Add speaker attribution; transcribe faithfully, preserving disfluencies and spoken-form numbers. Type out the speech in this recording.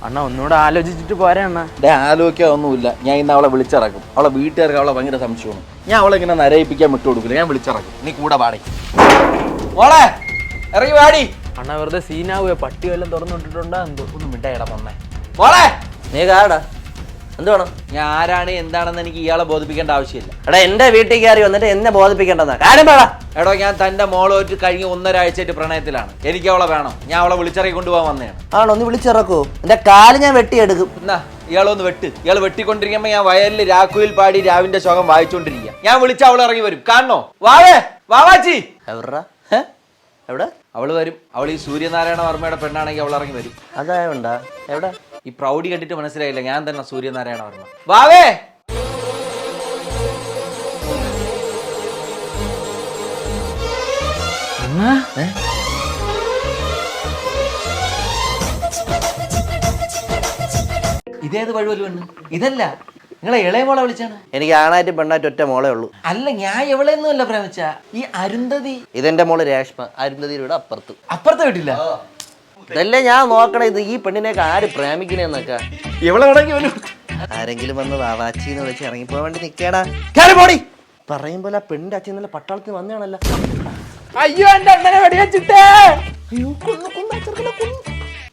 Speaker 1: അണ്ണ ഒന്നുകൂടെ ആലോചിച്ചിട്ട് പോരാ അണ്ണ.
Speaker 2: ഡേ ആലോചിക്കാതൊന്നുമില്ല. ഞാൻ ഇന്ന് അവളെ വിളിച്ചിറക്കും. അവളെ വീട്ടുകാർക്ക് അവളെ ഭയങ്കര സംശയമാണ്. ഞാൻ അവളെ ഇങ്ങനെ നരയിപ്പിക്കാൻ വിട്ടു കൊടുക്കില്ല. ഞാൻ വിളിച്ചിറക്കും. നീ കൂടെ പാടി മോളെ ഇറങ്ങി പാടി.
Speaker 1: അണ്ണ വെറുതെ സീനാവുക. പട്ടി വല്ലതും തുറന്നുവിട്ടിട്ടുണ്ടോ എന്തോ.
Speaker 2: ഒന്ന് മിണ്ടായിടാ പൊന്നെ. മോളെ
Speaker 3: നീ കാടാ എന്ത് വേണം?
Speaker 2: ഞാൻ ആരാണ് എന്താണെന്ന് എനിക്ക് ഇയാളെ ബോധിപ്പിക്കേണ്ട ആവശ്യമില്ല.
Speaker 3: എടാ എന്റെ വീട്ടിൽ കയറി വന്നിട്ട് എന്നെ ബോധിപ്പിക്കേണ്ടെന്നാ കാര്യം പറ.
Speaker 2: എടോ ഞാൻ തന്റെ മോളോട്ട് കഴിഞ്ഞ ഒന്നരാഴ്ചയായിട്ട് പ്രണയത്തിലാണ്. എനിക്ക് അവളെ വേണം. ഞാൻ അവളെ വിളിച്ചിറക്കി കൊണ്ടുപോകാൻ വന്നതാണ്.
Speaker 3: ആണോ? ഒന്ന് വിളിച്ചിറക്കൂ. എന്റെ കാല് ഞാൻ വെട്ടിയെടുക്കും.
Speaker 2: എന്നാ ഇയാളൊന്ന് വെട്ട്. ഇയാൾ വെട്ടിക്കൊണ്ടിരിക്കുമ്പോ ഞാൻ വയലിൽ രാക്കുയിൽ പാടി രാവിന്റെ ശോകം വായിച്ചോണ്ടിരിക്കുക. ഞാൻ വിളിച്ച അവൾ ഇറങ്ങി വരും. കാണണോ? വാവേ വാവാച്ചി
Speaker 3: എവിടാ? എവിടെ?
Speaker 2: അവള് വരും. അവൾ ഈ സൂര്യനാരായണ വർമ്മയുടെ പെണ്ണാണെങ്കിൽ അവൾ ഇറങ്ങി വരും.
Speaker 3: അതായോണ്ടാ? എവിടെ?
Speaker 2: ഈ പ്രൗഢി കണ്ടിട്ട് മനസ്സിലായില്ല. ഞാൻ തന്നെ സൂര്യനാരായണ വർമ്മ. വാവേ ഇതേത് വഴുവല് പെണ്ണ്? ഇതല്ല, നിങ്ങളെ ഇളയ മോളെ വിളിച്ചാണ്.
Speaker 3: എനിക്ക് ആണായിട്ട് പെണ്ണായിട്ട് ഒറ്റ മോളേ ഉള്ളൂ.
Speaker 2: അല്ല ഞാൻ എവളെയൊന്നും അല്ല പ്രേമിച്ച. ഈ അരുന്ധതി.
Speaker 3: ഇതെന്റെ മോള് രേഷ്മ. അരുന്ധതിയുടെ അപ്പുറത്ത്.
Speaker 2: അപ്പുറത്തെ വീട്ടില്ല.
Speaker 3: ഇതല്ലേ ഞാൻ നോക്കണേ. ഇത് ഈ പെണ്ണിനെയൊക്കെ ആര് പ്രേമിക്കണേന്നൊക്കെ.
Speaker 2: എവളെ വേണമെങ്കിൽ വരും.
Speaker 3: ആരെങ്കിലും വന്ന് വാവാച്ചിന്ന് വിളിച്ച് ഇറങ്ങിപ്പോ വേണ്ടി നിക്കേടാ. കേറി പോടി. പറയുമ്പോൾ ആ പെണ്ണിന്റെ അച്ഛൻ നല്ല പട്ടാളത്തിന് വന്നതാണല്ലോ.
Speaker 1: അയ്യോ എന്റെ അണ്ണനെ വെടിവെച്ചിട്ടേ.
Speaker 3: അയ്യോ കൊന്നു കൊന്നു